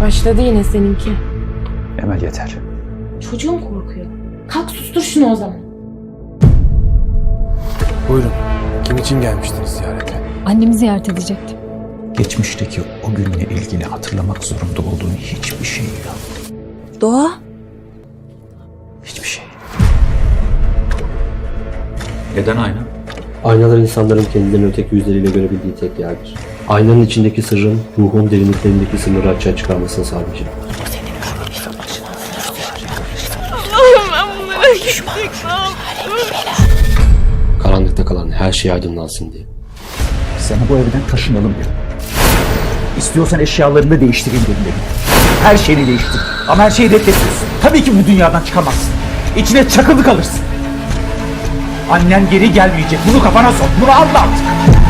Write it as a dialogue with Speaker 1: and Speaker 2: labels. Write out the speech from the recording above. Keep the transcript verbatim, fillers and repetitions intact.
Speaker 1: Başladı yine seninki.
Speaker 2: Emel yeter.
Speaker 1: Çocuğum korkuyor. Kalk sustur şunu o zaman.
Speaker 3: Buyurun. Kim için gelmiştiniz ziyarete?
Speaker 4: Annemi ziyaret edecektim.
Speaker 2: Geçmişteki o günle ilgili hatırlamak zorunda olduğun hiçbir şey yok.
Speaker 4: Doğa.
Speaker 2: Hiçbir şey. Neden ayna?
Speaker 5: Aynalar insanların kendilerini öteki yüzleriyle görebildiği tek yerdir. Aynanın içindeki sırrın ruhun derinliklerindeki sınırları açığa çıkarmasını sağlayacak. Karanlıkta kalan her şey aydınlansın diye.
Speaker 2: Sana bu evden taşınalım dedim. İstiyorsan eşyalarını değiştireyim dedim. Her şeyini değiştir. Ama her şeyi reddediyorsun. Tabii ki bu dünyadan çıkamazsın. İçine çakılı kalırsın. Annen geri gelmeyecek. Bunu kafana sok. Bunu anla artık.